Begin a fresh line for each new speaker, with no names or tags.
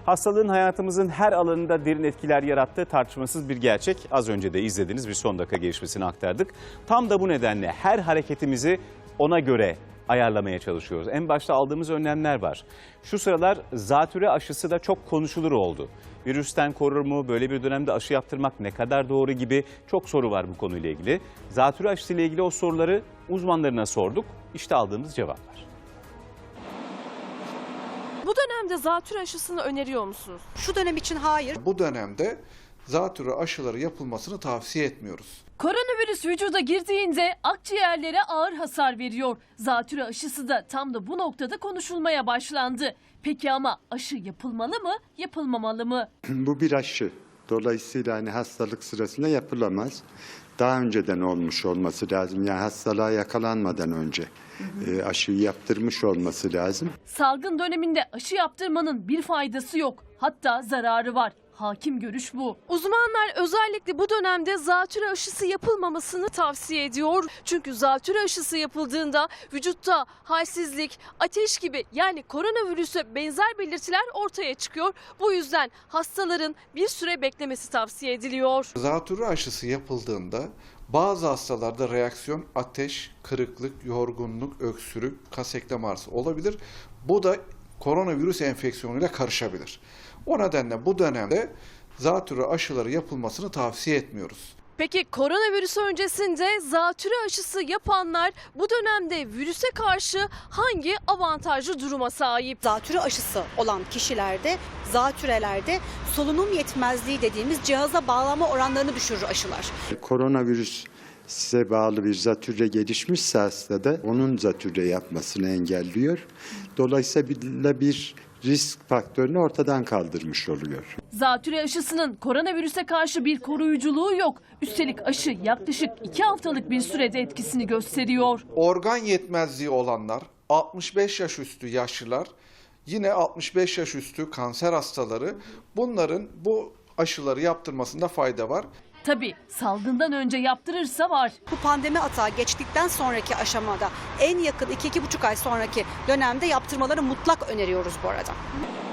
Hastalığın hayatımızın her alanında derin etkiler yarattığı tartışmasız bir gerçek. Az önce de izlediğiniz bir son dakika gelişmesini aktardık. Tam da bu nedenle her hareketimizi ona göre ayarlamaya çalışıyoruz. En başta aldığımız önlemler var. Şu sıralar zatürre aşısı da çok konuşulur oldu. Virüsten korur mu? Böyle bir dönemde aşı yaptırmak ne kadar doğru gibi çok soru var bu konuyla ilgili. Zatürre aşısı ile ilgili o soruları uzmanlarına sorduk. İşte aldığımız cevaplar.
Bu dönemde zatürre aşısını öneriyor musunuz?
Şu dönem için hayır.
Bu dönemde zatürre aşıları yapılmasını tavsiye etmiyoruz.
Koronavirüs vücuda girdiğinde akciğerlere ağır hasar veriyor. Zatürre aşısı da tam da bu noktada konuşulmaya başlandı. Peki ama aşı yapılmalı mı, yapılmamalı mı?
Bu bir aşı. Dolayısıyla hastalık sırasında yapılamaz. Daha önceden olmuş olması lazım. Yani hastalığa yakalanmadan önce aşıyı yaptırmış olması lazım.
Salgın döneminde aşı yaptırmanın bir faydası yok. Hatta zararı var. Hakim görüş bu.
Uzmanlar özellikle bu dönemde zatürre aşısı yapılmamasını tavsiye ediyor. Çünkü zatürre aşısı yapıldığında vücutta halsizlik, ateş gibi yani koronavirüse benzer belirtiler ortaya çıkıyor. Bu yüzden hastaların bir süre beklemesi tavsiye ediliyor.
Zatürre aşısı yapıldığında bazı hastalarda reaksiyon ateş, kırıklık, yorgunluk, öksürük, kas eklem ağrısı olabilir. Bu da koronavirüs enfeksiyonuyla karışabilir. O nedenle bu dönemde zatürre aşıları yapılmasını tavsiye etmiyoruz.
Peki koronavirüs öncesinde zatürre aşısı yapanlar bu dönemde virüse karşı hangi avantajlı duruma sahip?
Zatürre aşısı olan kişilerde, zatürrelerde solunum yetmezliği dediğimiz cihaza bağlanma oranlarını düşürür aşılar.
Koronavirüs size bağlı bir zatürre gelişmişse hastada onun zatürre yapmasını engelliyor. Dolayısıyla bir risk faktörünü ortadan kaldırmış oluyor.
Zatürre aşısının koronavirüse karşı bir koruyuculuğu yok. Üstelik aşı yaklaşık 2 haftalık bir sürede etkisini gösteriyor.
Organ yetmezliği olanlar, 65 yaş üstü yaşlılar, yine 65 yaş üstü kanser hastaları, bunların bu aşıları yaptırmasında fayda var.
Tabii salgından önce yaptırırsa var.
Bu pandemi atağı geçtikten sonraki aşamada en yakın 2-2,5 ay sonraki dönemde yaptırmaları mutlak öneriyoruz bu arada.